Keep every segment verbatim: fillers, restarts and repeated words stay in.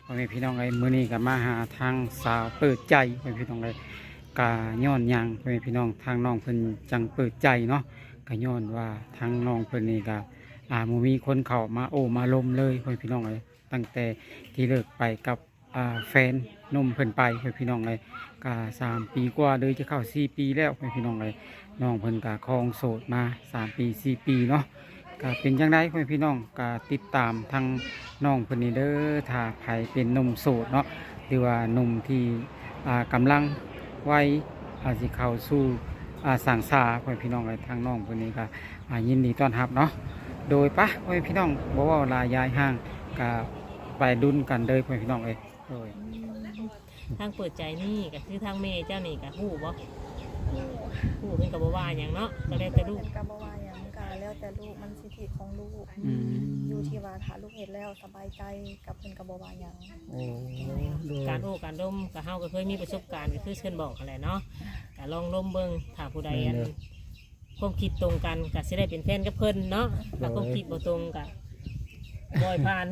พ่อแม่พี่น้องเอ้ยมื้อนี้ก็มาหาทางสาวเปิดใจพ่อแม่พี่น้องเอ้ยกะย้อนหยังพ่อแม่พี่น้องทางน้องเพิ่นจังเปิดใจเนาะก็ย้อนว่าทางน้องเพิ่นนี่ก็อ่าบ่มีคนเข้ามาโอ้มาลมเลยพ่อแม่พี่น้องเอ้ยตั้งแต่ที่เลิกไปกับอ่าแฟนหนุ่มเพิ่นไปพ่อแม่พี่น้องเอ้ยก็สามปีกว่าเลยจะเข้าสี่ปีแล้วพ่อแม่พี่น้องเอ้ยน้องเพิ่นก็ครองโสดมาสามปีสี่ปีเนาะ ก็เป็นจังไดพ่อแม่พี่น้องก็ติดตามทางน้องเพิ่นนี่เด้อถ้าใครเป็นหนุ่มโสดเนาะหรือว่าหนุ่มที่อ่ากำลังวัยอาจสิเข้าสู่อ่าสังสาพ่อแม่พี่น้องเลยทางน้องเพิ่นนี่ก็อ่ายินดีต้อนรับเนาะโดยปะพ่อแม่พี่น้องบ่เว้าลายยายห่างก็ไปดุนกันเลยพ่อแม่พี่น้องเอ้ยโดยทางเปิดใจนี่ก็คือทางเมย์เจ้านี่ก็ฮู้บ่ฮู้เพิ่นก็บ่ว่าหยังเนาะก็แล้วแต่ลูกกาบวาอย่างกาแล้วแต่ลูกมันสิทธิของลูกอืมอยู่ที่ว่าถ้าลูกเห็นแล้วสบายใจกับเพิ่นกาบวาอย่างโอ้โดยการโอ้การร่มก็เฮาก็เคยมีประสบการณ์ก็คือเชิญบอกนั่นแหละเนาะก็ลองร่มเบิ่งถ้าผู้ใดอันความคิดตรงกันก็สิได้เป็นแฟนกับเพิ่นเนาะถ้าความคิดบ่ตรงก็บ่อยผ่าน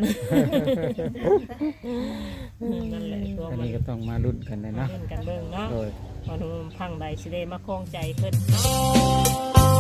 นั่นแหละตัวอันมันนี้ก็ต้องมาลุ้นกันเลยเนาะเล่นกันเบิ่งเนาะโดยว่าหนุ่มพังใดสิได้มาคล้องใจเพิ่นเนาะ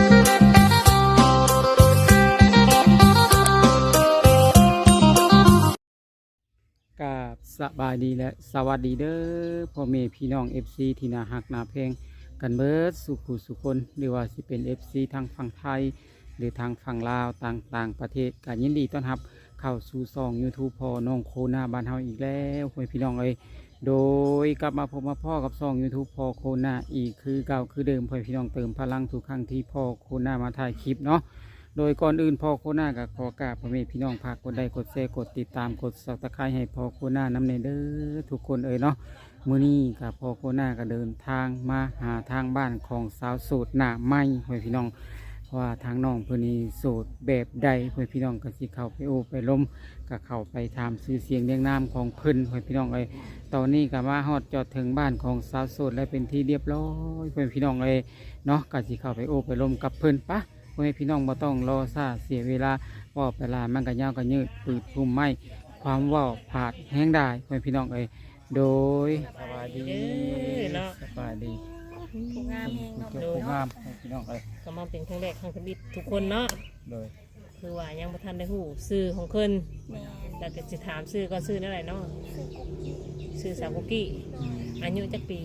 กับสบายดีและสวัสดีเด้อพ่อแม่พี่น้อง เอฟ ซี ที่น่าฮักน่าเพลงกันเบิดสุขุสุคนหรือว่าสิเป็น เอฟ ซี ทางฝั่งไทย หรือทางฝั่งลาวต่างๆประเทศกันยินดีต้อนรับเข้าสู่ช่อง YouTube พ่อน้องโคนาบ้านเฮาอีกแล้วพ่อแม่พี่น้องเอ้ยโดยกลับมาพบมาพ่อกับช่อง YouTube พ่อโคนาอีกคือเก่าคือเดิมพ่อแม่พี่น้องเติมพลังทุกครั้งที่พ่อโคนามาถ่ายคลิปเนาะ โดยก่อนอื่นพ่อโคน่ากับขอกราบพ่อแม่พี่น้องพากกดไลค์กดแชร์กดติดตามกดซับสไครต์ให้พ่อโคน่านำในเด้อทุกคนเอ่ยเนาะมื้อนี้กับพ่อโคน่าก็เดินทางมาหาทางบ้านของสาวโสดหน้าใหม่พ่อแม่พี่น้องว่าทางน้องเพิ่นนี่โสดแบบใดพ่อแม่พี่น้องก็สิเข้าไปโอ้ไปล้มก็เข้าไปถามชื่อเสียงเรียงนามของเพิ่นพ่อแม่พี่น้องเอ้ยตอนนี้ก็มาฮอดจอดถึงบ้านของสาวโสดและเป็นที่เรียบร้อยพ่อแม่พี่น้องเอ้ยเนาะก็สิเข้าไปโอ้ไปล้มกับเพิ่นปะ พ่อแม่พี่น้องบ่ต้องรอซาเสียเวลาว่าเวลามันก็ยาวก็ยืดปืดพุ่มไม้ความว่าผาดแห้งได้พ่อแม่พี่น้องเอ้ยโดยสบายดีสบายดีผู้งามเองเนาะเจ้าผู้งามพ่อแม่พี่น้องเอ้ยก็มาเป็นครั้งแรกครั้งชีวิตทุกคนเนาะโดยคือว่ายังบ่ทันได้ฮู้ชื่อของเพิ่นแม่แล้วก็สิถามชื่อก็ชื่อนั่นแหละเนาะชื่อสาวกุกกี้อายุจักปี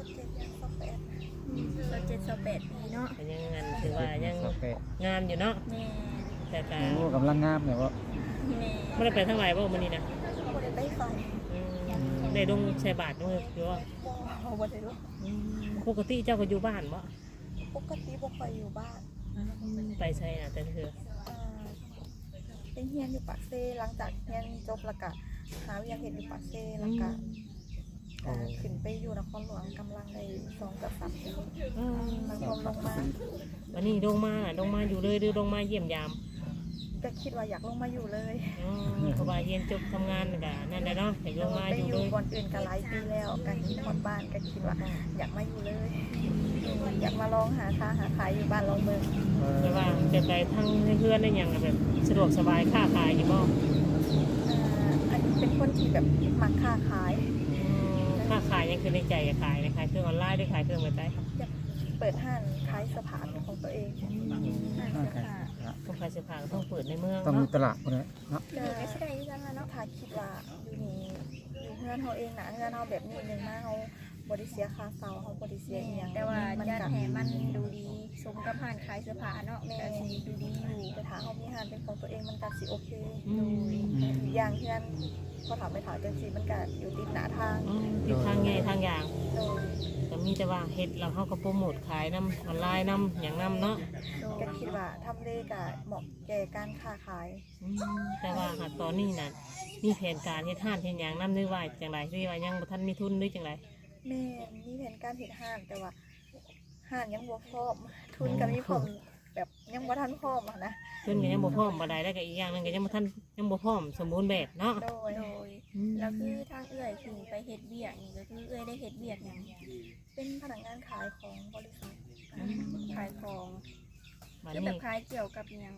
สเจ็ดสเจ็ดสแปดปีเนาะก็ยังงันถือว่ายังสเปะงามอยู่เนาะแม่แต่ก็โอ้กำลังงามเลยว่าแม่ไม่ได้ไปทั้งหลายบ่มื้อนี้นะบ่ได้ไปไฟอืมได้ลงใส่บาตรด้วยหรือว่าบ่บ่ได้รู้อืมปกติเจ้าก็อยู่บ้านบ่ปกติบ่ค่อยอยู่บ้านไปใช่น่ะแต่เธออ่าเป็นเฮียนอยู่ปากเซหลังจากเฮียนจบแล้วก็หาเวียกเฮ็ดอยู่ปากเซแล้วก็อ่าขึ้นไปอยู่นครหลวงกำลังได้สองกับสามปีอืมมันลงลงมาวันนี้ลงมาน่ะลงมาอยู่เลยหรือลงมาเยี่ยมยามก็คิดว่าอยากลงมาอยู่เลยอ๋อเพราะว่าเรียนจบทำงานก็นั่นแหละเนาะอยากลงมาไปอยู่อเลยู่ยบอนอื่นก็หลายปีแล้วก็คิดฮอดบ้านก็คิดว่าอยากมาอยู่เลย อยากมาลองหาค้าหาขายอยู่บ้านลองเมืองแต่ว่าจะไปทั้งเพื่อนได้อย่างแบบสะดวกสบายค้าขายอยู่บ่อ่าอันนี้เป็นคนที่แบบมักค้าขายอืมค้าขายยังคือในใจอยากขายนะขายเครื่องออนไลน์ด้วยขายเครื่องเว็บไซต์อยากเปิดห้างขายเสื้อผ้าเป็นของตัวเองห้างเสื้อผ้าต้องขายเสื้อผ้าก็ต้องเปิดในเมืองต้องมีเนาะตลาดพวกนี้เนาะก็ไม่ใช่ที่จังเนาะถ้าคิดว่าอยู่นี่อยู่เฮือนเฮาเองนะเฮือนเฮาแบบนี้หนึงมาเฮาบ่ได้เสียค่าเช่าเฮาบ่ได้เสียอีหยังแต่ว่ามันญาติก็แห่มันดูดีสมกับผ่านขายเสื้อผ้าเนาะแม่แต่สีดูดีอยู่แต่ถ้าเฮามีห้างเป็นของตัวเองมันก็สิโอเคอืมอีกอย่างที่นั่นพอถามไปถามจังซี่มันก็อยู่ติดหน้าทางอืมที่ทางใหญ่ทางอย่างโดยก็มีแต่ว่าเฮ็ดเราเขาก็โปรโมทขายน้ำออนไลน์น้ำอย่างน้ำเนาะก็คิดว่าทำเลก็เหมาะแก่การค้าขายอืมแต่ว่าหากตอนนี้น่ะมีแผนการเฮ็ดห้านเฮ็ดหยังน้ำนึกว่าจังไรที่ว่ายังบ่ทันมีทุนหรือจังไรแม่มีแผนการเฮ็ดห้างแต่ว่าห้างยังบ่พร้อมทุนก็มีพร้อมแบบยังบ่ทันพร้อมอะนะทุนก็ยังบ่พร้อมบ่ได้แล้วก็อีกอย่างหนึงก็ยังบ่ทันยังบ่พร้อมสมบูรณ์แบบเนาะโดยโดยแล้วคือทางเอื้อยที่ไปเฮ็ดเบียกนี่ก็คือเอื้อยได้เฮ็ดเบียกหยังเป็นพนักงานขายของบริษัทขายของบัดคือแบนี้บขายเกี่ยวกับหยังข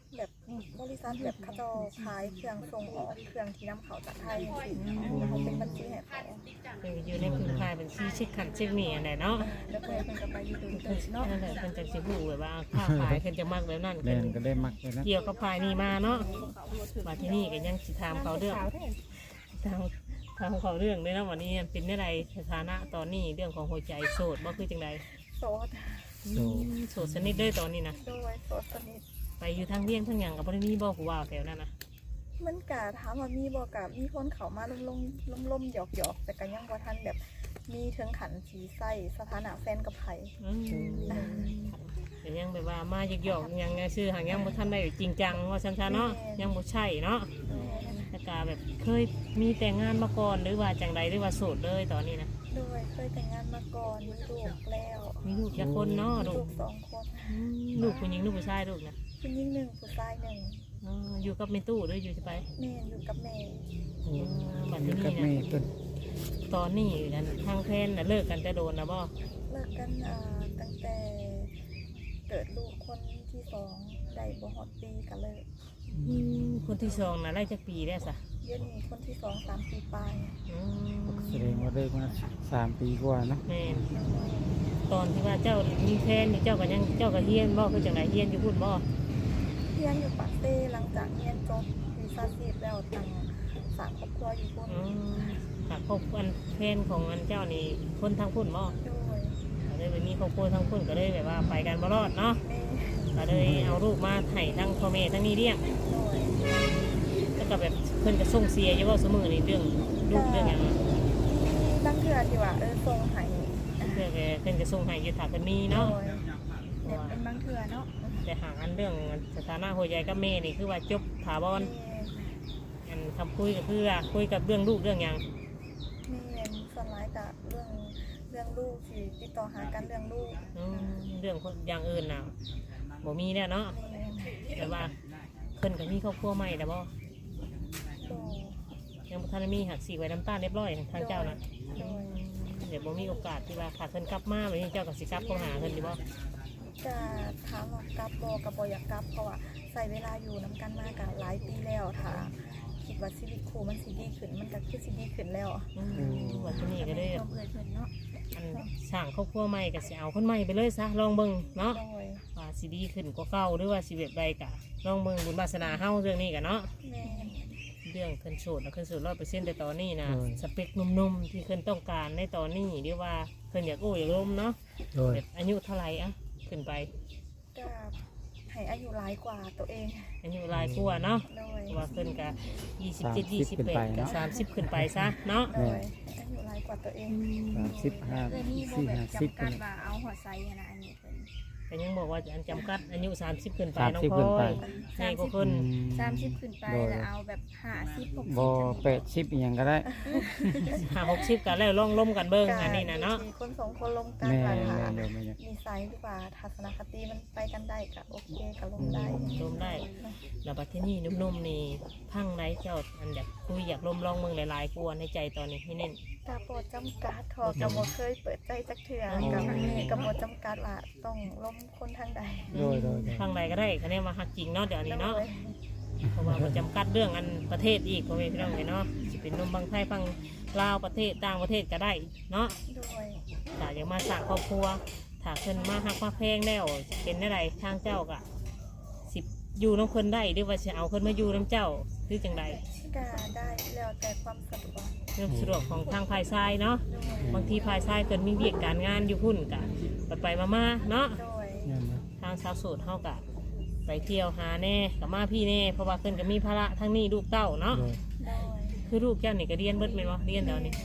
แบบบริษัทแบบเขาเจะขายเครื่องส่งออกเครื่องที่นำเข้าจากไทยสิแล้วเขาเป็นบัญชีให้เขาเพิ่นก็อยู่ในพื้นภายเป็นชี้ชิดขันเช็คนี่อันใดเนาะแล้วเพื่อนเพิ่นก็ไปอยู่ตรงเพิ่นนี้เนาะนั่นแหละเพิ่นจังสิฮู้แบบว่าค้าขายเพิ่นจะมักแบบนั้นแม่เพิ่นนก็ได้มักเลยนะเกี่ยวกับภายนี่มาเนาะมาที่นี่ก็ยังสิถามเขาเรื่องถามถามเขาเรื่องด้วยนะวันนี้เป็นได้ไรสถานะตอนนี้เรื่องของหัวใจโสดบ่คือจังไดโสดอืมโสดสนิทเด้อตอนนี้นะโดยโสดสนิทไปอยู่ทางเวียงทางหยังก็บ่ได้มีบ่ผู้ว่าแถวนั้นนะมันกะถามว่ามีบ่กะมีคนเข้ามาลมๆล่มๆหยอกๆแต่ก็ยังบ่ทันแบบมีถึงขันสีใส่สถานะแฟนกับไผอืมแต่ยังแบบว่ามาหยอกๆยังไงชื่อหางยังบ่ทันได้จริงจังว่าซั่นซะเนาะยังบ่ใช่เนาะแล้วก็แบบเคยมีแต่งงานมาก่อนหรือว่าจังใดหรือว่าโสดเลยตอนนี้นะโดยเคยแต่งงานมาก่อนมีลูกแล้วมีลูกจักคนเนาะมีลูลูกกสองคนอืมลูกผู้หญิงลูกผู้ชายลูกนะผู้หญิงหนึ่งผู้ชายหนึ่งอ๋ออยู่กับแม่ตู้หรืออยู่สิไปแม่อยู่กับแม่อืมบัดอยู่นี้กับนะแม่เพิ่นตอนนี้กันทางแพนน่ะเลิกกันแต่โดนนะบ่เลิกกันอ่าตั้งแต่เกิดลูกคนที่สองได้บ่ฮอดปีกันเลยคนที่สองน่ะไล่จักปีแล้วซะเดี๋ยวนี้คนที่สองสามปีปลายอืมแสดงว่าได้มาสามปีกว่าเนาะแม่นตอนที่ว่าเจ้ามีแฟนนี่เจ้าก็ยังเจ้าก็เฮียนบ่คือจังไดเฮียนอยู่พุ่นบ่เรียนอยู่ปากเต้หลังจากเรียนจบวีซ่าซีดแล้วตั้งสามครอบครัวอยู่พุ่นอืมหากคบอันแฟนของอันเจ้านี่คนทางพุ่นบ่โดยก็เลยไปมีครอบครัวทางพุ่นก็เลยแบบว่าไปกันบ่รอดเนาะแม่ก็เลยเอาลูกมาให้ทั้งพ่อแม่ทั้งนี้เลี้ยงโดยแล้วก็แบบเพิ่นก็ส่งเสียอยู่ว่าเสมอในเรื่องลูกเรื่องหยังตั้งเทื่อที่ว่าเออส่งให้เพื่อแกเพิ่นก็ส่งให้อยู่ถ้าเพิ่นมีโดเนาะยเนี่ยเป็นบางเทื่อเนาะแต่หางอันเรื่องสถานะหัวใจกับแม่นี่คือว่าจบถาวรแม่อันคำคุยก็คือว่าคุยกับเรื่องลูกเรื่องหยังแม่ส่วนร้ายกับเรื่องเรื่องลูกที่ติดต่อหากันเรื่องลูกอืมเรื่องคนอย่างอื่นน่ะบ่มีแล้วเนาะแม่แต่ว่าเพิ่นก็มีครอบครัวใหม่แล้วบ่โดยยังบ่ทันได้มีหักสีไว้น้ำตาลเรียบร้อยทางเจ้าน่ะโดยเดี๋ยวบ่มีโอกาสที่ว่าขาดเพิ่นกลับมาแบบนี้เจ้าก็สิกลับเข้าหาเพิ่นดีบ่จะถามว่ากลับโบกับบอยากกลับเพราะว่าใส่เวลาอยู่น้ำกันมากกับหลายปีแล้วถ้าคิดว่าชีวิตครูมันสิดีขึ้นมันก็คือสิดีขึ้นแล้วอืมวันนี้ก็เลยความเอื่อยเพิ่นเนาะอันสร้างครอบครัวใหม่ก็สิเอาคนใหม่ไปเลยซะลองเบิ่งเนาะโดยว่าสิดีขึ้นกว่าเก่าหรือว่าสิแบบใดกะลองเบิ่งบุญวาสนาเฮาเรื่องนี้กันเนาะแม่เรื่องเพิ่นโสดแล้วเพิ่นโสดร้อยเปอร์เซ็นต์ในตอนนี้นะสเปคหนุ่มๆที่เพิ่นต้องการในตอนนี้หรือว่าเพิ่นอยากโอ้อยากล้มเนาะโดยแบบอายุเท่าไหร่อะขึ้นไปก็ให้อายุหลายกว่าตัวเองอายุหลายกว่าเนาะโดยเพราะว่าเพิ่นก็ยี่สิบเจ็ด ยี่สิบแปดก็สามสิบขึ้นไปซะเนาะโดยให้อายุหลายกว่าตัวเองสามสิบห้าเอ้ยนี่บ่สี่แบบห้าสิบจำกัดว่าเอาหัวไซอะนะอันนี้เพิ่นแต่ยังบอกว่าอันจำกัดอายุสามสิบขึ้นไปสามน้องสิบพลขึ้นอไปยใหญ่กว่าคนสามสิบขึ้นไปแล้วเอาแบบห้าสิบหกสิบบ่แปดสิบอหย่างก็ได้ห้าหกสิบกันแล้วลองล้มกันเบิ่งอันนี้นะเนาะมีคนสองคนลงกันแม่ว่าแม่ถ้าเดี๋ยวแม่เนี่ยนิสัยหรือว่าทัศนคติมันไปกันได้ก็โอเคก็ลงได้ล้มได้ แล้วบัดที่นี่นุ่มๆนี่พังไหนเจ้าอันอยากคุยอยากล้มลองเมืองหลายๆกวนในใจตอนนี้ให้เน้นกาโปรดจำกัดทอกระโบเคยเปิดใจจักเถื่ออ๋อกับกระโบจำกัดว่าต้องล้มคนทางใดโดยโดยโดยพังไหนก็ได้คะแนนมาหักจริงเนาะเดี๋ยวนี้เนาะโดยเพราะว่ามันจำกัดเรื่องอันประเทศอีกพ่อแม่พี่น้องเลยเนาะจะเป็นนมบางไทยฟังลาวประเทศต่างประเทศก็ได้เนาะโดยถ้าอยากมาสร้างครอบครัวถ้าเพิ่นมาหักมาแพงแล้วเป็นอะไรทางเจ้าก็สิอยู่น้ำเพิ่นได้หรือว่าจะเอาเพิ่นมาอยู่น้ำเจ้าหรือจังใดก็ได้แล้วแต่ความสะดวกเรื่องสะดวกของทางภายซ้ายเนาะโดยบางทีภายซ้ายเกินมีเวียกการงานอยู่พุ่นกะไปไปมามาๆเนาะโดยนั่นนะทางชาวโสดเฮากะไปเที่ยวหาแน่กับมาพี่แน่เพราะว่าเพิ่นก็มีภาระทั้งนี้ลูกเต้าเนาะโดยโดยคือลูกเจ้านี่ก็เรียนเบิดแม่นบ่เรียนแล้วนี่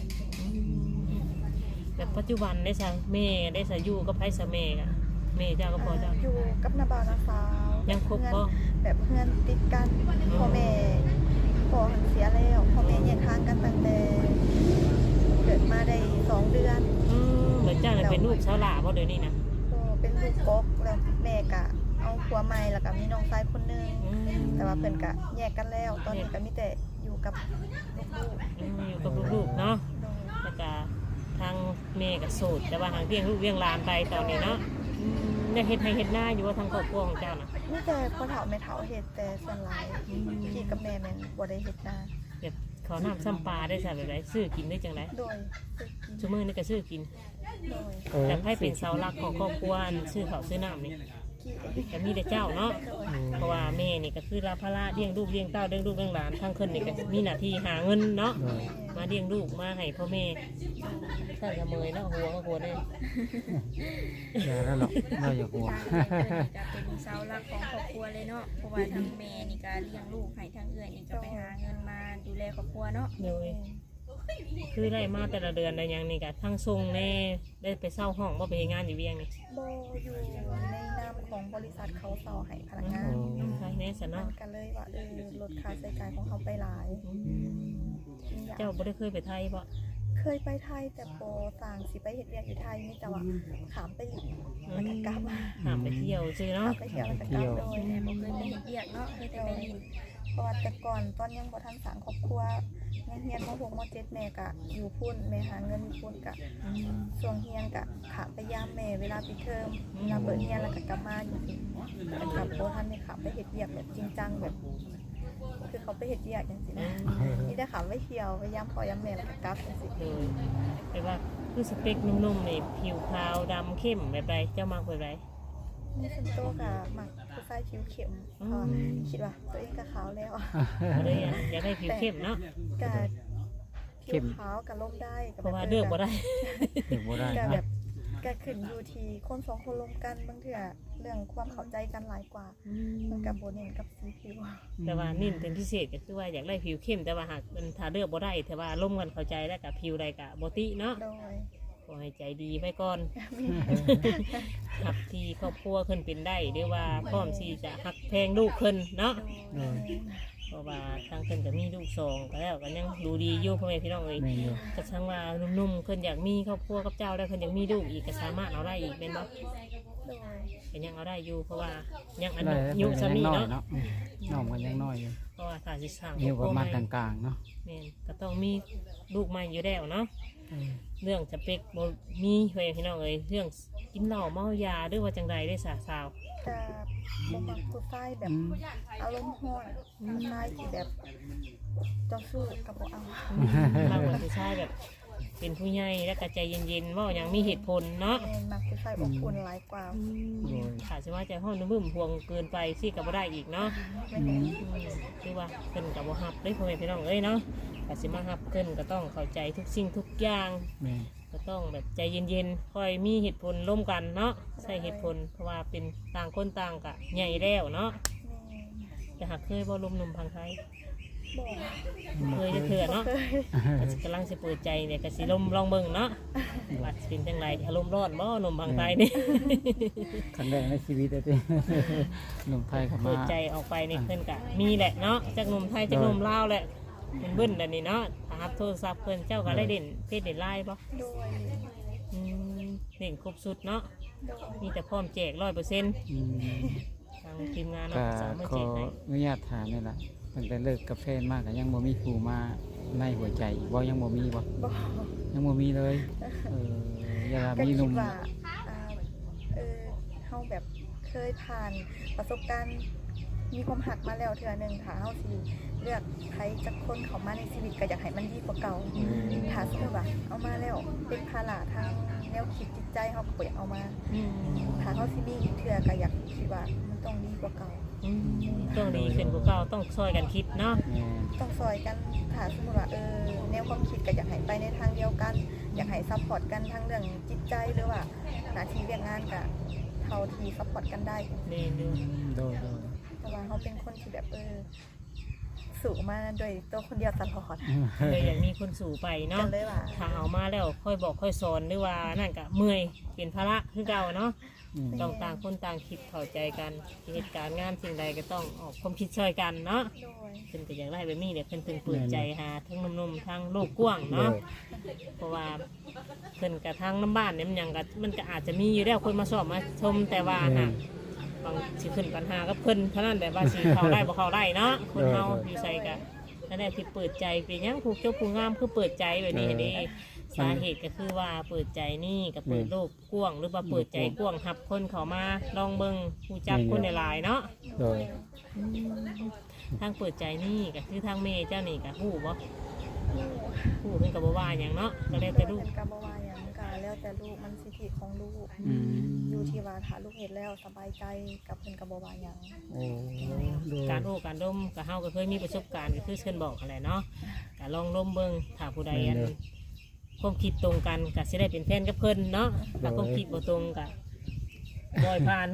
แต่ปัจจุบันได้ซะแม่ได้ซะอยู่กับไผซะแม่กะแม่เจ้าก็พอเจ้าอยู่กับนาบาวนาสาวยังคบบ่แบบเพื่อนติดกันพ่อแม่พ่อหันเสียแล้วพ่อแม่แยกทางกันตั้งแต่เกิดมาได้สองเดือนอืมเหมือนเจ้าน่ะเป็นลูกสาวหลาบ่เดี๋ยวนี้นะก็เป็นลูกกบแล้วแม่กะเอาผัวใหม่แล้วก็มีน้องชายคนหนึงอืมแต่ว่าเพิ่นกะแยกกันแล้ว ตอนนี้ก็มีแต่อยู่กับลูกอืมอยู่กับลูกๆเนาะๆโดยแล้วก็ทางแม่ก็โสดแต่ว่าทางเลี้ยงลูกเลี้ยงหลานไปตอนนี้เนาะอืมได้เฮ็ดให้เฮ็ดหน้าอยู่ว่าทางครอบครัวของเจ้าน่ะแมีแต่พ่อเฒ่าแม่เฒ่าเฮ็ดแต่ส่วนหลายพี่กับแม่แม่นบ่ได้เฮ็ดนาแบบเขาน้ำซ้ำปลาได้ซะแบบไรซื้อกินได้จังไดโดยซื้อกินชั่วโมงนี้ก็ซื้อกินโดยเออแต่ให้เป็นเสาหลักของครอบครัวอันซื้อข้าวซื้อน้ำนี่กี่ก็มีแต่เจ้าเนาะโดยเพราะว่าแม่นี่ก็คือรับภาระเลี้ยงลูกเลี้ยงเต้าเลี้ยงลูกเลี้ยงหลานทั้งคนนี่ก็มีหน้าที่หาเงินเนาะโดยมาเลี้ยงลูกมาให้พ่อแม่ท่านกระเมยเนาะหัวก็หัวได้อย่าแล้วหรอกเราอย่าหัวทางเอื้อยเพิ่นนี่ก็เป็นเสาหลักของครอบครัวเลยเนาะเพราะว่าทางแม่นี่ก็เลี้ยงลูกให้ทางเอื้อยนี่ก็ไปหาเงินมาดูแลครอบครัวเนาะเลยคือได้มาแต่ละเดือนได้หยังนี่ก็ทั้งทรงแน่ได้ไปเช่าห้องบ่ไปเฮ็ดงานอยู่เวียงนี่บ่อยู่ในนามของบริษัทเขาเซาให้พนักงานอืมใช่แน่สมัเนาะนก็เลยว่าเออลดค่าใช้จ่ายของเขาไปหลายเจ้าบ่ได้เคยไปไทยบ่เคยไปไทยแต่โปต่างสิไปเฮ็ดเวียกอยู่ไทยนี่แต่ว่าขามไปหลินแล้วก็กลับมาหามไปเที่ยวซื่อขาเนาะมไปเที่ยวแล้วก็กลับโดยแม่บ่เคยไปเฮ็ดเวียกเนาะเคยแต่ไปลินเพราะว่าแต่ก่อนตอนยังบ่ทันสร้างครอบครัวยังเฮียนม .หก ม .เจ็ด แม่ก็อยู่พุ่นแม่หาเงินอยู่พุ่นก็ช่วงเฮียนก็ขามไปยามแม่เวลาปิดเทอมเวลาเปิดเฮียนแล้วก็กลับมาอยู่สิแต่กลับบ่ทันได้ขามไปเฮ็ดเวียกแบบจริงจังแบบ คือเขาไปเฮ็ดเวียกจังซี่นะนี่ได้ขามไปเที่ยวไปยามพ่อยามแม่แล้วก็กลับจังซี่เลยแต่ว่าคือสเปคนุ่มๆนี่ผิวขาวดำเข้มแบบไรเจ้ามักแบบไรนี่ส่วนตัวก็มักผู้ชายผิวเข้มเพราะว่าคิดว่าตัวเองก็ขาวแล้วบ่ได้อยากอยากได้ผิวเข้มเนาะก็ผิวขาวกับลมได้ก็เพราะว่าเลือกบ่ได้ถึงบ่ได้ก็คแบรับบก็ขึ้นอยู่ที่คนสองคนลงกันบางเทื่อเรื่องความเข้าใจกันหลายกว่า มันกับโบเน่นกับสีผิวแต่ว่านิ่นเป็นพิเศษก็คือว่าอยากได้ผิวเข้มแต่ว่าหากมันถ้าเลือกบ่ได้แต่ว่าร่วมกันเข้าใจแล้วกับผิวใดกับบ่ติเนาะโดยขอให้ใจดีไว้ก่อนมีหักที่ครอบครัวขึ้นเป็นได้หรือว่าพร้อมที่จะหักแพงลูกขึ้นเนาะโดยเพราะว่าทางขึ้นก็มีลูกสองก็แล้วก็ยังดูดีอยู่พ่อแม่พี่น้องเอ้ยแม่นอยู่ก็ช่างว่านุ่มๆขึ้นอยากมีครอบครัวกับเจ้าแล้วขึ้นอยากมีลูกอีกก็สามารถเอาได้อีกเป็นบ่โดยเป็นยังเอาได้อยู่เพราะว่ายังอได้นุแล้วยุเพิ่นสายังมีน้อยเนาะเนาะอืมน้องมันยังน้อยอยู่เพราะว่าถ้าสิสร้างอยู่ประมาณคกรอบครัวใหลางๆเนาะแม่นก็ต้องมีลูกใหม่อยู่แล้วเนาะเออเรื่องสเปคบ่มีเพื่อนพี่น้องเอ้ยเรื่องกินเหล้าเมายาหรือว่าจังใดได้สาสาวกับบ่มักผู้ชายแบบอืมอารมณ์ร้อนผู้ชายที่แบบเจ้าสู้กับบ่เอามากกว่าผู้ชายแบบ เป็นผู้ใหญ่และก็ใจเย็นๆเว่าอย่างมีเหตุผลเนาะแม่นมักผู้ชายอบอุ่นหลายกว่าโดยขาดสิว่าใจห้องนุ่มๆพวงเกินไปสิกับบ่ได้อีกเนาะไม่เห็นอืมคือว่าเพิ่นกับบ่ฮับได้พ่อแม่พี่น้องเอ้ยเนาะก็สิมาฮับเพิ่นก็ต้องเข้าใจทุกสิ่งทุกอย่างแม่นก็ต้องแบบใจเย็นๆคอยมีเหตุผลร่วมกันเนาะใช่เหตุผลเพราะว่าเป็นต่างคนต่างกะใหญ่แล้วเนาะแม่แต่หากเคยบ่ลมหนุ่มพังไทยบอกเคยจะเถื่อเนาะเคยก็สิกำลังสิเปิดใจเนี่ยก็สิลมลองเบิ่งเนาะว่าสิเป็นจังไรอารมณ์ร้อนบ่หนุ่มพังไทยนี่ครั้งแรกในชีวิตเลย หนุ่มไทยเข้าเปิมาดใจออกไปนี่เพิ่นกะมีแหละเนาะจากหนุ่มไทยจากหนุ่มลาวแหละมันเบิ้นแบบนี้เนาะถ้ารับโทรศัพท์เพิ่นเจ้าก็ได้เด่นเพศเด่นไลน์บ่โดยอืมเด่นครบสุดเนาะโดยมีแต่พร้อมแจกร้อยเปอร์เซ็นต์อืมทางทีมงานก็เนาะสามารถขอแจกให้อนุญาตถามนี่ล่ะตั้งแต่เลิกกับแฟนมาก็ยังบ่มีผู้มาในหัวใจอีกบ่ยังบ่มีบ่บอกยังบ่มีเลยเอออย่าก็มีหคินุ่ดมว่าอ่าเออเขาแบบเคยผ่านประสบการณ์มีความหักมาแล้วเทื่อหนึงถ้าเขาสิเลือกใครจักคนเขามาในชีวิตก็อยากให้มันดีกว่าเก่าถ้าสมมติว่าเอามาแล้วเป็นภาระทางแนวคิดจิตใจเขาก็บ่อยากเอามาอืมถ้าเขาสิมีอีกเทื่อก็อยากคิดว่ามันต้องดีกว่าเก่าอืมต้องดีขึ้นกว่าเก่าต้องช่วยกันคิดเนาะแม่นต้องซอยกันถ้าสมมติว่าเออแนวความคิดก็อยากให้ไปในทางเดียวกัน อยากให้ซัพพอร์ตกันทั้งเรื่องจิตใจหรือว่าหน้าที่เรียกงานก็เท่าที่ซัพพอร์ตกันได้นี่ดูอืมโดยโดยเพราะว่าเขาเป็นคนที่แบบเออสูงมาโดยตัวคนเดียวตลอดเลยอยากมีคนสู่ไปกัเนาะนเลยว่าถ้าเอามาแล้วค่อยบอกค่อยสอนหรือว่านั่นก็เมื่อยเป็นภาระคือเก่าเนาะอืมต้องต่างคนต่างคิดเข้าใจกันเหตุการณ์งานสิ่งใดก็ต้องออกความคิดช่วยกันเนาะโดยเพิ่นก็อยากได้แบบนี้เดี๋ยวเพิ่นถึงเปิดใจหาทั้งหนุ่มๆทั้งโลกกว้างเนาะเพราะว่าเพิ่นกับทางน้ำบ้านเนี่ยมันหยังก็มันก็อาจจะมีอยู่แล้วคนมาสอบมาชมแต่ว่าหากบางสิขึ้นปัญหากับเพิ่นเท่านั้นแต่ว่าสิเข้าได้บ่เข้าได้เนาะคนเฮาอยู่ใส่ก็นั่นแหละที่เปิดใจเป็นหยังผูกเจ้าผู้งามคือเปิดใจแบบนี้เด้สาเหตุก็คือว่าเปิดใจนี่กับเปิดโลกกว้างหรือว่าเปิดใจกว้างหับคนเขามาลองเบิ่งฮู้จักคนหลายๆเนาะโดยทางเปิดใจนี่ก็คือทางเมย์เจ้านี่ก็ฮู้บ่ฮู้เพิ่นก็บ่ว่าหยังเนาะก็แล้วแต่ลูกเป็นกะบ่ว่าหยังก็แล้วแต่ลูกมันสิทธิของลูกอืมอยู่ที่ว่าถ้าลูกเฮ็ดแล้วสบายใจกับเพิ่นก็บ่ว่าหยังโอ้โดยการโอ้การดมก็เฮาก็เคยมีประสบการณ์ก็คือเชิญบอกอะไรเนาะก็ลองดมเบิ่งถ้าผู้ใดอันความคิดตรงกันก็สิได้เป็นแฟนกับเพิ่นเนาะถ้าความคิดบ่ตรงก็บ่อยผ่าน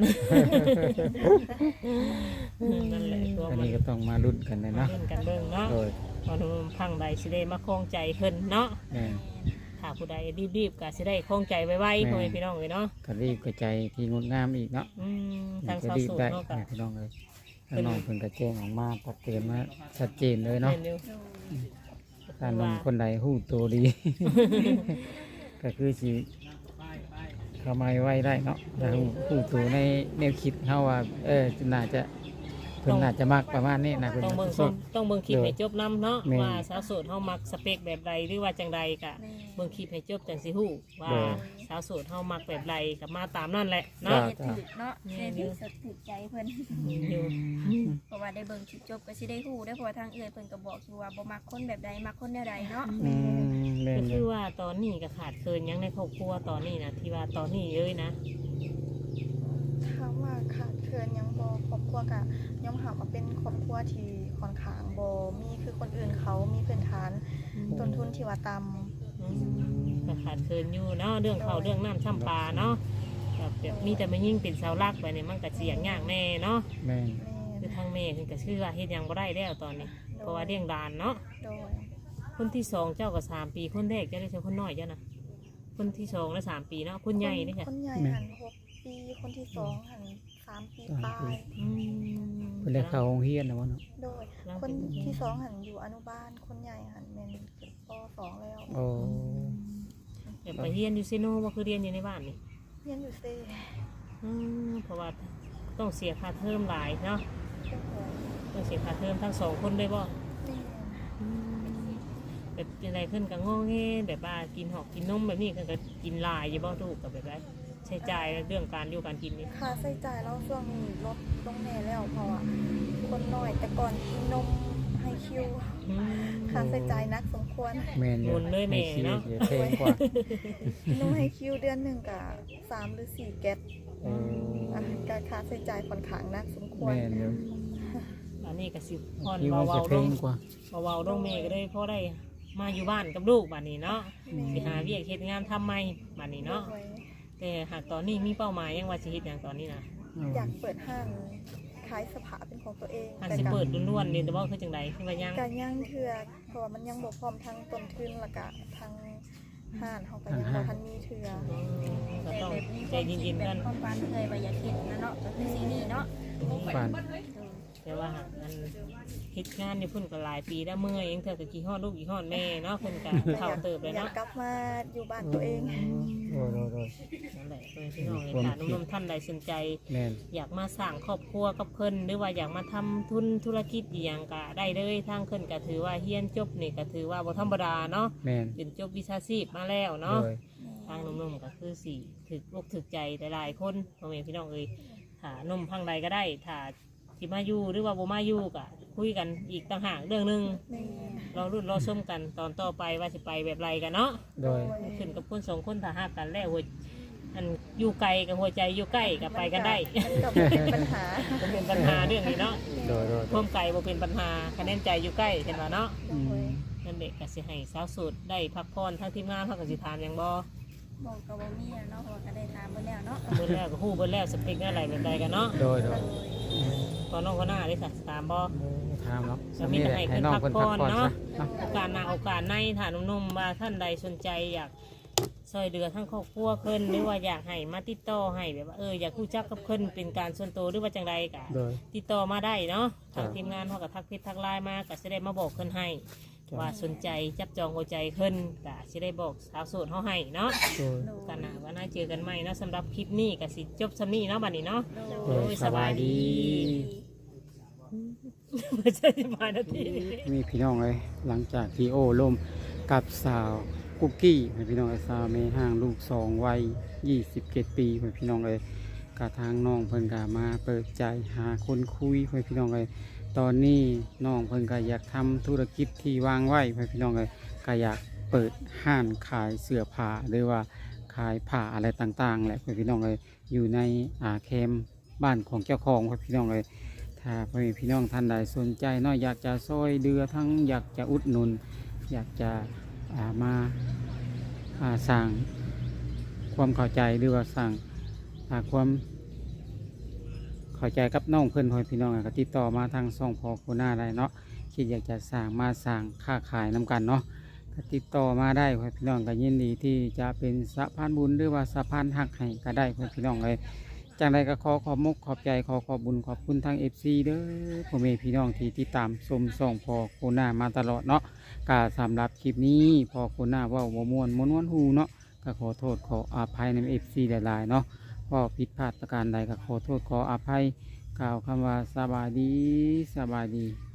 นั่นแหละตัวอันมันนี้ก็ต้องมาลุ้นกันเลยเนาะเล่นกันเบิ่งเนาะโดยพอหนุ่มพังใดสิได้มาคล้องใจเพิ่นเนาะแม่นถ้าผู้ใดรีบๆก็สิได้คล้องใจไวๆพ่อแม่พี่น้องเอ้ยเนาะก็รีบกระใจที่งดงามอีกเนาะอืมทางจะสาวรีบโสูได้เนาะก็พี่น้องเลยถ้าน้องเพิ่นกระแจ้งออกมาตัดเตือนมาชัดเจนเลยเนาะเร็วถ้าน้องคนใดหู้ตัวดี ก็คือสิเข้ามาไว้ได้เนาะถ้าหู้หู้ตัวในแนวคิดเฮาว่าเออน่าจะเพิ่นน่าจะมักประมาณนี้นะเพิ่นต้องเบิ่งส้มต้องเบิ่งคลิปให้จบนํเนาะแม่นว่าสาวโสดเฮามักสเปคแบบใดหรือว่าจังใดก็แม่เบิ่งคลิปให้จบจังสิฮู้ว่าเด้อสาวโสดเฮามักแบบใดก็มาตามนั่นแหละจ้เนาะเฮ็ดถูกเนาะเฮ็ดถูกสะถูกใจเพิ่นอยู่เพราะว่าได้เบิ่งคลิปจบก็สิได้ฮู้ได้อเพราะว่าทางเอื้อยเพิ่นก็บอกอยู่ว่าบ่มักคนแบบใดมักคนแนวใดเนาะอืมแม่ก็นเลคืยอว่าตอนนี้ก็ขาดเคินหยังในครอบครัวตอนนี้นะที่ว่าตอนนี้เลยนะถามว่าขาดเคินหยังบ่ครอบครัวก็ย่อมหาว่าเป็นครอบครัวที่ค่อนข้างบ่มีคือคนอื่นเขามีพื้นฐานต้นทุนที่ว่าต่ำอืมก็ขาดเคินอยู่เนาะเรื่องเขาวเรื่องน้ำช่ำปลาเนาะแบบแบบมีแต่มายิ่งเป็นเสาหลักไปเนี่ยมันก็เสียงยากแน่เนาะแม่นแม่คือน ทางแม่คือก็ชื่อว่าเฮ็ดหยังบ่ได้แล้วตอนนี้ เพราะว่าเลี้ยงดานเนาะโดยคนที่สองเจ้าก็สามปีคนแรกเจ้าได้เจ้าคนน้อยเจ้านะคนที่สองได้สามปีเนาะคนใหญ่นี่ค่ะคนใหญ่หันหกปีคนที่สองหันสามปีปลายอืมเพิ่นได้เข้าโรงเรียนนะวะเนาะโดยคนที่สองหันอยู่อนุบาลคนใหญ่หันแม่นขึ้นปสองแล้วโอ้แบบไปเรียนอยู่เซโนว่าคือเรียนอยู่ในบ้านนี่เรียนอยู่เซ่อืมเพราะว่าต้องเสียค่าเทอมหลายเนาะเป็นหัวต้องเสียค่าเทอมทั้งสองคนด้วยบ่แม่แบบอะไรขึ้นกับงอแงแบบว่ากินหอกกินนมแบบนี้ขึ้นก็กินหลายอยู่บ่ถูกกับแบบไรใช้จ่ายเรื่องการอยู่การกินนี่ค่าใช้จ่ายเราช่วงนี้ลดลงแน่แล้วเพราะว่าคนน้อยแต่ก่อนกินนมให้คิวอืมค่าใช้จ่ายหนักสมควรแม่นอยู่หมุนเลยแม่ในชีวิตเนาะอยู่แพงกว่านมให้คิวเดือนหนึ่งกับสามหรือสี่แก๊สโอ้อ่ะการค่าใช้จ่ายค่อนข้างหนักสมควรแม่นอยู่อันนี้ก็สิพอนคิวมันเบาจะๆแพลงงกว่าเบาๆลงแม่ก็ได้พอได้มาอยู่บ้านกับลูกบ้านนี้เนาะแม่สิหาเวียกเฮ็ดงานทำใหม่บ้านนี้เนาะด้วยแต่หากตอนนี้มีเป้าหมายยังว่าสิเฮ็ดหยังตอนนี้นะอยากเปิดห้างขายเสภาเป็นของตัวเองอันแต่สิกัเปิดล้วนๆนี่แต่ว่าคือจังไดคือว่ายังการย่างเถื่อเพราะว่ามันยังบ่พร้อมทั้งต้นทุนและก็ทั้งห้านเขาก็ยังบ่ทันมีเถื่ออืมก็แต่ต้องแบบนี้ใจเย็นๆแบกับ นความฝันเอ่ยว่าอยากเฮ็ดนะเนาะก็คือสิ่งนี้เนาะฝันแต่ว่าหากมันเฮ็ดงานอยู่เพิ่นก็หลายปีแล้วเมื่อยเองเธอก็กี่ฮอดลูกกี่ฮอดแม่เนาะเพิ่นก็เฒ่าเติบเลยอยากเนาะกลับมาอยู่บ้านตัวเองโอ้โดยโดยนั่นแหละเพิ่นพี่น้องเอ้ยถ้าหนุ่มๆท่านใดสนใจแม่นอยากมาสร้างครอบครัวกับเพิ่นหรือว่าอยากมาทำทุนธุรกิจอหย่างก็ได้เลยทางเพิ่นก็ถือว่าเฮียนจบนี่ก็ถือว่าบ่ธรรมดาเนาะแม่นเป็นจบวิชาชีพมาแล้วเนาะโดยทางหนุ่มๆก็คือสิถึกอกถึกใจหลายๆคนพ่อแม่พี่น้องเอ้ยถ้าหนุ่มพังใดก็ได้ถ้าสิมาอยู่หรือว่าบ่มาอยู่ก็คุยกันอีกต่างหากเรื่องหนึงแม่เรารุ่นรอส้มกันตอนต่อไปว่าสิไปแบบไรกันเนาะโดยขึ้นกับคนสองคนถ้าหากกันแล้วหัวอันอยู่ไกลกับหัวใจอยู่ใกล้กับไปกันได้มันก็บ่เป็นปัญหาบ่เป็นปัญหาเรื่องนี้เนาะโดยโดยความไกลบ่เป็นปัญหาคะแนนใจอยู่ใกล้เห็นว่าเนาะโดยนั่นเด็กก็สิให้สาวโสุดได้พักผ่อนทั้งทีมงานเขาก็สิถามหยังบ่บอกกับบ่มีอะเนาะเพราะว่าก็ได้ถามเบิ่แล้วเนาะเบิ่แล้วก็ฮู้เบิ่แล้วสเปคอะไรแบบใดกันเนาะโดยโดยตอนน้องคนหน้าได้สักถามบ่ถามเนาะจะมีแต่ให้ให้เพิ่นน้องพักเพิ่นผ่พัอก นผ่อนเนาะซะเนาะโอกาสหน้าโอกาสในถ้าหนุ่มๆว่าท่านใดสนใจอยากซอยเดือทั้งครอบครัวเพิ่นหรือว่าอยากให้มาติดต่อให้แบบว่าเอออยากรู้จักกับเพิ่นเป็นการส่วนตัวหรือว่าจังใดก็โดยติดต่อมาได้เนาะครัทาบงทีมงานเขาก็ทักเพจทักไลน์มาก็จะได้มาบอกเพิ่นให้ครับว่าสนใจจับจองหัวใจเพิ่นก็จะได้บอกสาวโสดเขาให้เนาะโดยกันนะว่าน่าเจอกันใหม่เนาะสำหรับคลิปนี้ก็สิจบสำนี้เนาะบัดนี้เนาะโดยสบายดีไม่ใช่สบายนาทีมีพี่น้องเลยหลังจากที่โอ้ล่มกับสาวกุ๊กกี้ให้พี่น้องไอ้สาวแม่ห้างลูกสองวัยยี่สิบเจ็ดปีให้พี่น้องเลยกะทางน้องเพิ่นกะมาเปิดใจหาคนคุยให้พี่น้องเลยตอนนี้น้องเพิ่นก็อยากทำธุรกิจที่วางไว้ให้พี่น้องเลยก็อยากเปิดห้านขายเสื้อผ้าหรือว่าขายผ้าอะไรต่างๆแหละให้พี่น้องเลยอยู่ในอาแคมบ้านของเจ้าของให้พี่น้องเลยถ้าพี่น้องท่านใดสนใจเนาะอยากจะซอยเดือทั้งอยากจะอุดหนุนอยากจะอ่ามาอ่าสร้างความเข้าใจหรือว่าสร้างอ่าความเข้าใจกับน้องเพื่อนพ่อพี่น้องก็ติดต่อมาทางช่องพอโคน่าได้เนาะคิดอยากจะสร้างมาสร้างค้าขายน้กันเนาะก็ติดต่อมาได้พ่อพี่น้องก็ยินดีที่จะเป็นสะพานบุญหรือว่าสะพานหักให้ก็ได้พ่อพี่น้องเลยจังใดก็ขอขอบมุกขอบใจขอขอบบุญขอบคุณทางเอฟซีเด้อพ่อแม่พี่น้องที่ติดตามชมช่องพอโคน่ามาตลอดเนาะก็สำหรับคลิปนี้พอโคน่าเว่าบ่ม่วนม้วนหูเนาะก็ขอโทษขออภัยในเอฟซีหลายๆเนาะพอผิดพลาดประการใดก็ขอโทษขออภัยกล่าวคำว่าสบายดีสบายดี